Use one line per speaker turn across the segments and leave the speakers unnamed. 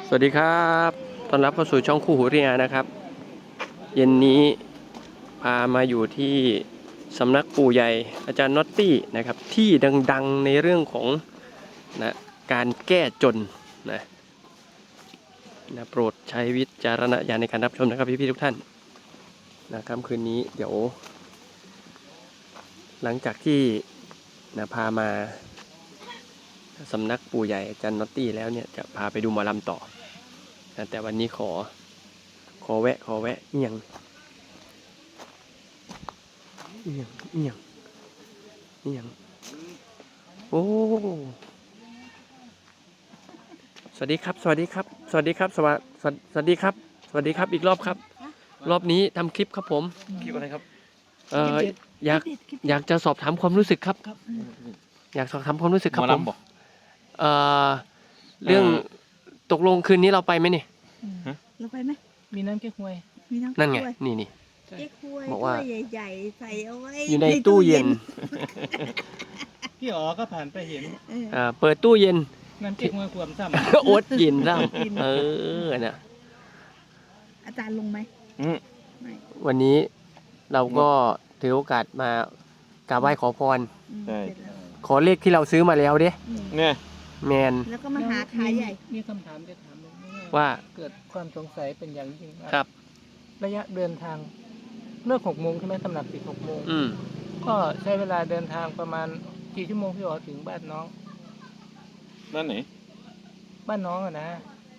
สวัสดีครับต้อนรับเข้าสู่ช่องคู่หูเรียนะครับเย็นนี้พามาอยู่ที่สำนักปู่ใหญ่อาจารย์น็อตตี้นะครับที่ดังๆในเรื่องของนะการแก้จนนะโปรดใช้วิจารณญาณในการรับชมนะครับพี่ๆทุกท่านนะค่ำคืนนี้เดี๋ยวหลังจากที่พามาสำนักปู่ใหญ่อาจารย์น็อตตี้แล้วเนี่ยจะพาไปดูหมอลำต่อแต่วันนี้ขอแวะเอียงโอ้สวัสดีครับสวัสดีครับสวัสดีครับอีกรอบครับรอบนี้ทำคลิปครับผม
คลิปอะไรครับ
อยากจะสอบถามความรู้สึกครับอยากสอบถามความรู้สึกครับผมเรื่องตกลงคืนนี้เราไปไหมเนี่ย
เราไปไหม
มีน้ำเก๊กฮวย
นั่นไงนี่
เก๊กฮวย
บอกว่า
ใหญ่ๆใส่เอาไว้
อยู่ในตู้เย็น
พี่อ๋อก็ผ่านไปเห็น
เปิดตู้เย็น
น้ำเก๊กฮวยขวดซ้ำ
โอ๊ตเย็นซ้ำนะ
อาจารย์ลงไหมไม่
วันนี้เราก็ถือโอกาสมากราบไหว้ขอพรขอเลขที่เราซื้อมาแล้วเด้
เนี่ย
แมน
แล้วก็มาหาขายใหญ่
มีคำถามจะถาม
ว่า
เกิดความสงสัยเป็นอย่างยิ่ง
ครับ
ระยะเดินทางเลิก6 โมงใช่ไหมตำหนักปิด6 โมงก็ใช้เวลาเดินทางประมาณกี่ชั่วโมงพี่อ๋อถึงบ้านน้อง
บ้านไหน
บ้านน้องอะนะ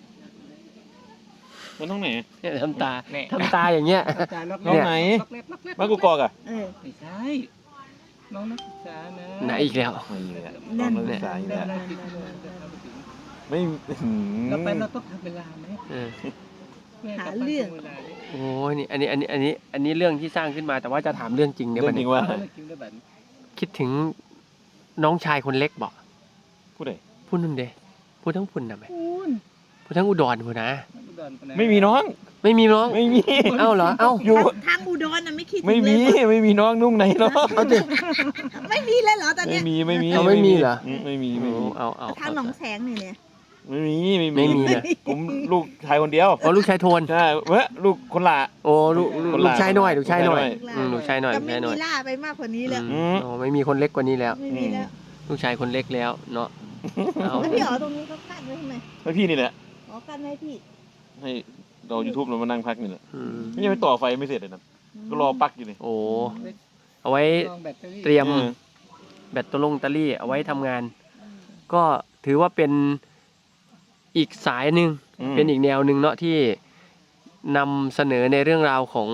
มันต้องไหน
เนี่ยทำตาอย่างเงี้ย
น้องไหนบ้านกูกอกอะ
ไม่ใช่น้องนักศึกษานะ
ไหนอีกแล้ว
น้องนักศึกษาอีกแล้วไม่
เราไปเราต้องทำเวลาไหม
หาเรื่อง
โอ้ยนี่อันนี้เรื่องที่สร้างขึ้นมาแต่ว่าจะถามเรื่องจริงเนี่ย
เรื่องจริงว่า
คิดถึงน้องชายคนเล็กบอก
พูดไหน
พูดนั่นเด้พูดทั้งพุ่นนะไหมพูดทั้งอุดรพูดนะ
ไม่มีน้อง
ไม่มีน้อง
ไม่มี
เอ้าเหรอเอ้า
อยู่ทางอุดรน่ะไม่คิด
ไม่มีน้องนุ่งไหนน้อง
ไม่มีเลยเหรอตอนนี้
ไม่มี
ไม่มีเหรอ
ไม่มี
เอา
ทางหนองแสงเนี่ย
ไม่มีเลยผมลูกชายคนเดียว
อ๋อลูกชายโทน
ใช่เว้ยลูกคนละ
โอ้ลูกชายน้อยลูกชายน้อย
จะไม่มีล่าไปมากกว่านี้แล้ว
อ๋อไม่มีคนเล็กกว่านี้แล้ว
ไม่มีแล้ว
ลูกชายคนเล็กแล้วเนาะ
แล้วพี่อ๋อตรงนี้เขากั้นไว้ทำไม
ให้พี่นี่แหละ
อ๋อกั้นไว้พี่
ให้เรา YouTube เรามานั่งพักนี่แหละไม่ยังไปต่อไฟไม่เสร็จเลยนะก็รอปลั๊กอยู่เลย
โอ้เอาไว้เตรียมแบตเตอรี่เอาไว้ทำงานก็ถือว่าเป็นอีกสายหนึ่งเป็นอีกแนวหนึ่งเนาะที่นำเสนอในเรื่องราวของ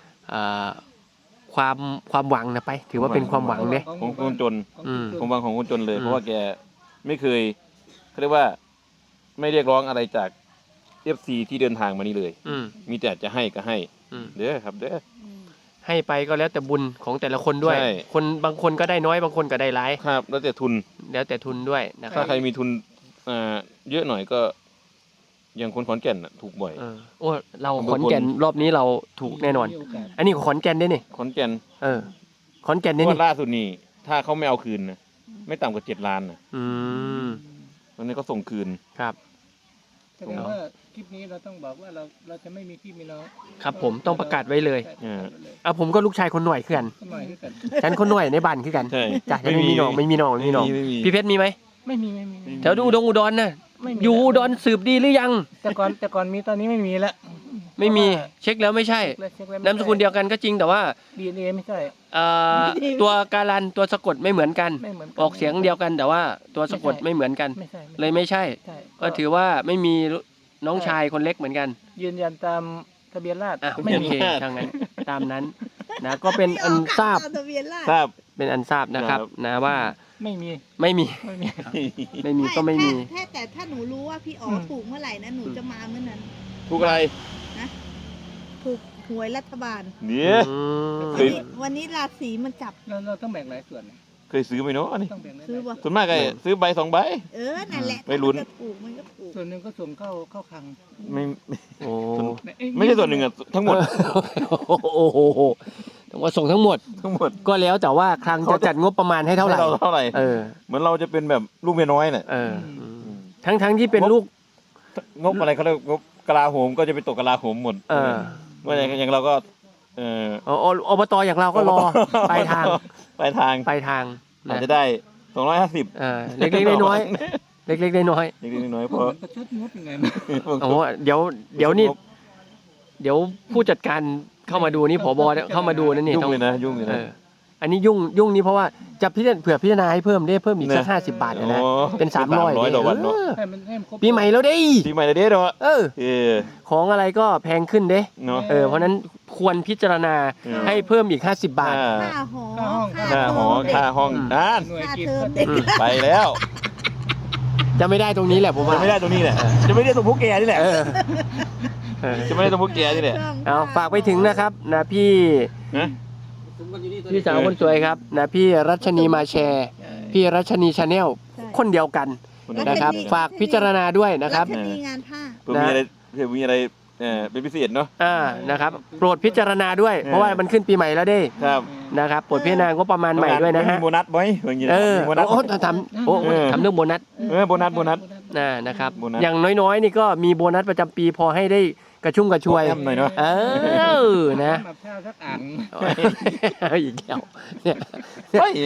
ความหวังนะไปถือว่าเป็นความหวังเนี่ย
ของคนจนความหวังของคนจนเลยเพราะว่าแกไม่เคยเขาเรียกว่าไม่เรียกร้องอะไรจาก FC ที่เดินทางมานี่เลยมีแต่จะให้ก็ให้เด้อครับเด้อ
ให้ไปก็แล้วแต่บุญของแต่ละคนด้วยคนบางคนก็ได้น้อยบางคนก็ได้หลาย
ครับแล้วแต่ทุน
ด้วยนะครับ
ถ้าใครมีทุนเยอะหน่อยก็อย่างคนขอนแก่นถูกบ่อย
โอ้เราขอนแก่นรอบนี้เราถูกแน่นอนอันนี้ขอนแก่นได้นี่
ขอนแก่น
ขอนแก่นนี่
ล่าสุดนี่ถ้าเขาไม่เอาคืนนะไม่ต่ำกว่า7 ล้านนะตอนนี้ก็ส่งคืน
ครับ
แสดงว่าคลิปนี้เราต้องบอกว่าเราจะไม่มีพี่มีน้อง
ครับผมต้องประกาศไว้เลยผมก็ลูกชายคนหน่วยคือกันฉันคนหน่วยในบ้านคือกันจ้ะไม่มีน้องพี่เพชรมีไหม
ไม่มี
แถวอุดรน่ะอยู่อุดรสืบดีหรือยัง
แต่ก่อนมีตอนนี้ไม่มีแล้ว
ไม่มีเช็คแล้วไม่ใช่นามสกุลเดียวกันก็จริงแต่ว่า
DNA ไม่ใช่
ตัวการันตัวสะกดไม่เหมือนกันออกเสียงเดียวกันแต่ว่าตัวสะกดไม่เหมือนกันเลยไม่ใช่ก็ถือว่าไม่มีน้องชายคนเล็กเหมือนกัน
ยืนยันตามทะเบียนราษฎร์
ไม่มีทางนั้นตามนั้นนะก็เป็นอันทราบเป็นอันทราบนะครับนะว่า
ไม่มี
ก็ไม่มี
แต่ถ้าหนูรู้ว่าพี่อ๋อถูกเมื่อไหร่นะหนูจะมาเมื่อนั้น
ถูกอะไร
นะถูกหวยรัฐบาล
เนี่ย
วันนี้ราศีมันจับ
เราต้องแบ่งหลายส่วน
เคยซื้อไหมเนาะนี่
ซื้อป่ะ
ส่วนมากไงซื้อใบ2 ใบ
นั่นแหละ
ไม่ลุ้น
มันก็ถูก
ส่วนหนึ่งก็ส่งเข้าคลัง
ไม่ใช่ส่วนหนึ่งอะทั้งหมด
โอ้โหแต่ว่าส่งทั้งหมดก็แล้วแต่ว่าคลังจะจัดงบประมาณให้เท่าไหร่
เหมือนเราจะเป็นแบบลูกเมียน้อยเนี่ย
ทั้งที่เป็นลูก
งบอะไรเขาเรียกงบกลาโหมก็จะไปตกกลาโหมหมดเมื่ออย่างเราก็
อบตอย่างเราก็รอปลายทาง
ปลายทาง
ปลายทาง
อาจจะได้250
เล็กๆน้อยๆเล็กๆน้อย
เล็กๆน้อยๆเพราะ
ประชดงบยังไง
ๆโอ้โหเดี๋ยวนี่เดี๋ยวผู้จัดการเข้ามาดูนี่ผบเข้ามาดูนั่นนี่
ยุ่งเลยนะยุ่งเลยนะ
อันนี้ยุ่งนี่เพราะว่าจะเผื่อพิจารณาให้เพิ่มอีกสัก50 บาทนะเป็น300
ต่อวันเนาะ
ให้มันครบ
ปีใหม่แล้วเด้
ปีใหม่เลยเด้อ
ของอะไรก็แพงขึ้นเด้
เนาะ
เพราะนั้นควรพิจารณาให้เพิ่มอีก50 บาท
ค่าหอ
ค่าหอค่าห้องนั่น
หน่วย
ค่า
กิจ
เทอมเด็ก
ไปแล้ว
จะไม่ได้ตรงนี้แหละผมว่า
จะไม่ได้ตรงนี้แหละจะไม่ได้ตรงพวกแกนี่แหละจะไม่ได้ตรงพวกแกนี่แหละ
เอาฝากไปถึงนะครับนะพี่
นะ
พี่สาวคนสวยครับนะพี่รัชนีมาแชร์ พี่รัชนีชาแนลคนเดียวกันนะครับ ฝากพิจารณาด้วยนะครับ
แล้วจะมีงานผ้า
เพื่อมีอะไรเป็นพิเศษเนาะ
นะครับโปรดพิจารณาด้วยเพราะว่ามันขึ้นปีใหม่แล้วเด้
ครับ
นะครับโปรดพิจารณางบประมาณใหม่ด้วยนะฮะ
มีโบนัสไหมอย่างเงี้ยมีโบนัส
ทำเรื่องโบนัส
โบนัส
นะครับ
โบนัส
อย่างน้อยๆนี่ก็มีโบนัสประจำปีพอให้ได้กระชุ่มกระชวย
หน่อยเนาะ
นะ
แบบข้าวสักอ่าง
อีกแล้วเนี่ย
เฮ้ย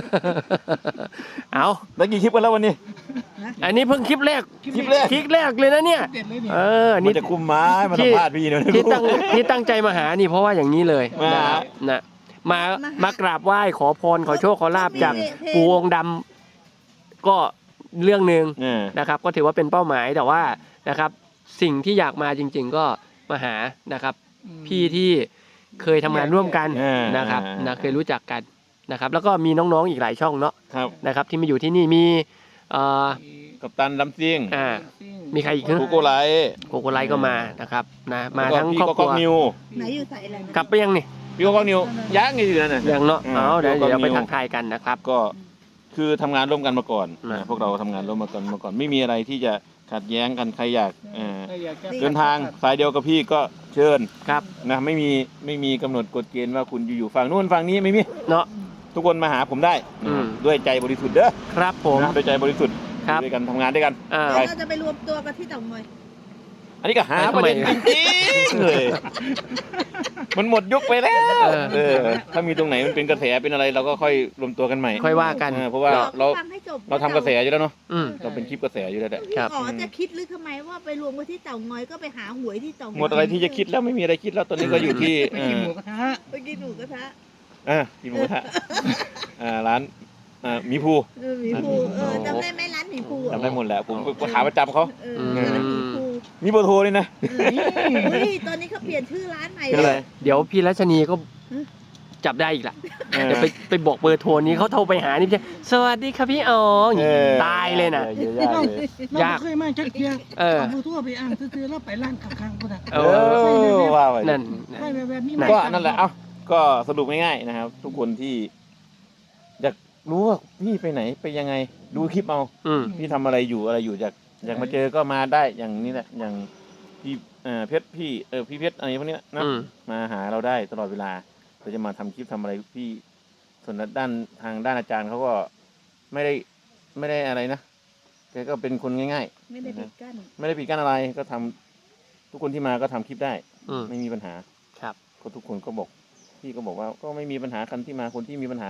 เอา
แล้วกี่คลิปกันแล้ววันนี้
อันนี้เพิ่งคลิปแรก
คลิปแรก
เลยนะเนี่ย
เด็ดเลยเนี่ย
มัน
นี่
จะคุมไม้มาสัมภาษณ์พี่เนี่ย
ที่ตั้งใจมาหานี่เพราะว่าอย่างนี้เลย
มา
นะครับนะมากราบไหว้ขอพรขอโชคขอลาบจากปู่องค์ดำก็เรื่องหนึ่งนะครับ ก็ถือว่าเป็นเป้าหมายแต่ว่านะครับ สิ่งที่อยากมาจริง ๆ ก็มาหานะครับ พี่ที่เคยทำงานร่วมกันนะครับนะเคยรู้จักกันนะครับ แล้วก็มีน้องๆอีกหลายช่องเนาะ
ครับ
นะครับ ที่มาอยู่ที่นี่มี
กัปตันลำซิ่ง
มีใครอีก
โกโก้ไลท์
โกโกไลก็มานะครับนะมา
แล้วก็
ทั้ง
พี่
ครอบ
ก็
ครัว
นิว
ไหนอยู่ใส่อะไรนะ
กลับไปยังนี่
พี่ก็นิวยักษ์อยู่นั่นน่ะ
ยังเนาะ
อืม
เดี๋ยว
ก็
เดี๋ยวไป
นิว
ทักทายกันนะครับ
ก็คือทำงานร่วมกันมาก่อน
นะ
พวกเราทำงานร่วมกันมาก่อน ไม่มีอะไรที่จะขัดแย้งกันใครอยากเดินทางสายเดียวกับพี่ก็เชิญ
ครับ
นะไม่มีกำหนดกฎเกณฑ์ว่าคุณอยู่ฝั่งนู้นฝั่งนี้ไม่มี
เนาะ
ทุกคนมาหาผมได้
อืม
ด้วยใจบริสุทธิ์เด้อ
ครับผม
นะด้วยใจบริสุทธิ์
ครับ
ด้วยกันทำงานด้วยกัน
แล้วเราจะไปรวมตัวกันที่เต่างอย
อันนี้ก็หาประเด็นจริงๆเลยมันหมดยุคไปแล้วถ้ามีตรงไหนมันเป็นกระแสเป็นอะไรเราก็ค่อยรวมตัวกันใหม่
ค่อยว่ากัน
เพราะว่าเรา
ฟังให้จบ
เราทำกระแสอยู่แล้วเนาะ
อืม
เราเป็นคลิปกระแสอยู่แล้วแหละ
ครับ
อ๋อจะคิดหรือทำไมว่าไปรวมกันที่เต่างอยก็ไปหาหวยที่เต่างอย
หมดอะไรที่จะคิดแล้วไม่มีอะไรคิดแล้วตอนนี้ก็อยู่ที่
ไปกินหมูกระทะ
ไปกินหมูกระทะ
กินหมูกระทะร้านหมีภู
หมีภูจำได้ไหมร้านหมีภูอะ
จำได้หมดแหละผมก็ขาประจำเขา
ร้านหมีภู
มีเบอร์โทรนี่นะ
เฮ้ยตอนนี้เขาเปลี่ยนชื่อร้านใหม่
เป็น
เล
ไร
ย
เดี๋ยวพี่รัชนีก็จับได้อีกละเดี๋ยวไปบอกเบอร์โทรนี้เขาโทรไปหานี่พี่สวัสดีครับพี่อ๋อตายเลยนะ
เยอะแยะเลย
เราเคยมาจักเทีย
เอา
ผู้ทั่วไปอ่างซื้อแล้วไปร้านข้างๆพุ่นน่ะ
ว่าไป
นั่น
ไปแบบนี้
ก็นั่นแหละก็สรุปง่ายๆนะครับ ทุกคนที่อยากรู้ว่าพี่ไปไหนไปยังไงดูคลิปเอา พี่ทำอะไรอยู่อยากมาเจอก็มาได้อย่างนี้แหละอย่างพี่เพชรพี่พี่เพชรอะไรพวกนี้นะมาหาเราได้ตลอดเวลาเราจะมาทำคลิปทำอะไรพี่ส่วนด้านทางด้านอาจารย์เขาก็ไม่ได้อะไรนะแกก็เป็นคนง่ายๆ
ไม่ได้ปิดกั้น
ไม่ได้ปิดกั้นอะไรก็ทำทุกคนที่มาก็ทำคลิปได้ ไม่มีปัญหา
ครับ
ก็ทุกคนก็บอกพี่ก็บอกว่าก็ไม่มีปัญหาคนที่มาคนที่มีปัญหา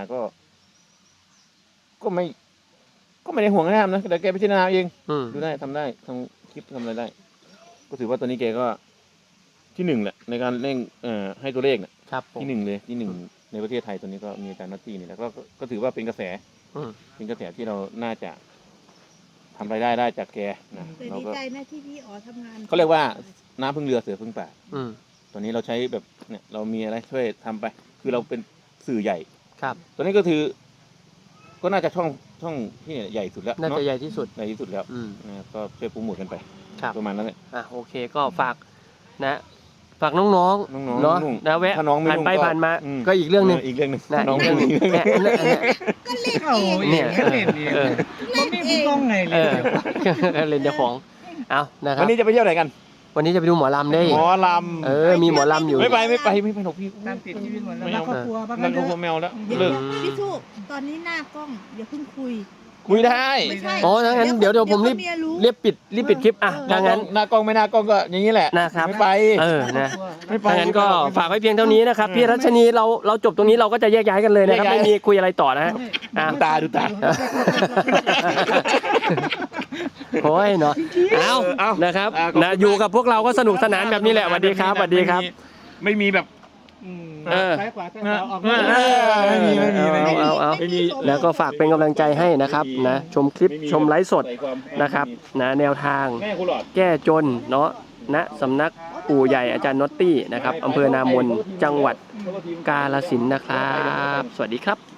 ก็ไม่ได้ห่วงห้ามนะแต่แกพิจารณาเองดูได้ทำได้ทำคลิปทำอะไรได้ ก็ถือว่าตอนนี้แกก็ที่หนึ่งแหละในการเร่งให้ตัวเลขเนี่ย
ครับผม
ที่หนึ่งเลยที่หนึ่งในประเทศไทยตอนนี้ก็มีอาจารย์นัตตี้นี่แหละก็ถือว่าเป็นกระแสเป็นกระแสที่เราน่าจะทำรายได้จากแกนะ
แต่
เรา
ดี
ก็
ใจนะที่พี่อ๋อทำงาน
เขาเรียกว่าน้ำพึ่งเรือเสือพึ่งป่า
อืม
ตอนนี้เราใช้แบบเนี่ยเรามีอะไรช่วยทำไป คือเราเป็นสื่อใหญ่
ครับ
ตอนนี้ก็คือ ก็น่าจะช่องที่ใหญ่สุดแล้ว
น่าจะ
เนาะ
ใหญ่ที่สุด
ใหญ่ที่สุดแล้วนะก็ช่วยโปรโมทกันไป
ครับ
ประมาณนั้นแหละ
โอเคก็ฝากฝากน้องๆ
น้องๆ
เนาะ
นุ่ง
นะแวะ
ถ้าน้องไม่
ผ่าน
นุ่ง
ไป
ก็
ผ่านมา
อืม
ก็อีกเรื่องหนึ่ง
อีกเรื่องหนึ่ง
นะ
น้อง
อีก
ไม่
เรื่องห
นุ่
นึ่
ง
งเนี่ย
เข้าเองเล่นเองมันไม่มีกล้องไงเลย
เล่นเจ้าของเอานะครั
วั
บ
นนี้จะไปเที่ยวไหนกัน
วันนี้จะไปดูหมอลำได้
หมอล
มีหมอลำอยู่
ำไม่ไปหรอกพี่
ตามติดชีวิตหมดแล้วครอบครัวบ้าง
นั่น
เถ
ก็พว
อะ
กแมวแล้ว
เดี๋ยว
เลิก
พี่สุตอนนี้หน้ากล้องอย่าเพิ่งคุย
มุ้ยได้
ไม่ใช่
อ๋อถ้างั้นเดี๋ยวผมรีบ
เมียรู้
รีบปิดคลิปอ่ะ
หน้า
ถ้าก
ล้อ
งั้
ง
น
หน้ากล้องไม่หน้ากล้องก็อย่างนี้แหละ
นะครับ
ไม่ไป
นะ
ไม่ไป
ถ้างั้นก็ฝากไว้เพียงเท่านี้นะครับพี่รัชนีเราจบตรงนี้เราก็จะแยกย้ายกันเลยนะครับ
แยกย้าย
ไม่มีคุยอะไรต่อนะฮะอ่ะ
ดูตา
โอ้ยเนาะเอานะครับ
ขอบคุณ
นะอยู่กับพวกเราก็สนุกสนานแบบนี้แหละสวัสดีครับสวัสดีครับ
ไม่มีแบบ
เออ
ซ้ายขวาซ้ายขวาออก
ไม่มี
เอา
ไม่มี
แล้วก็ฝากเป็นกำลังใจให้นะครับนะชมคลิป
ไม่มี
ชมไลฟ์สด
ใส่ความ
นะครับนะแนวทาง
แม่คุณหลอด
แก้จนเนาะณสำนักปู่ใหญ่อาจารย์น็อตตี้นะครับอำเภอนามนจังหวัดกาฬสินธุ์นะครับ สวัสดีครับ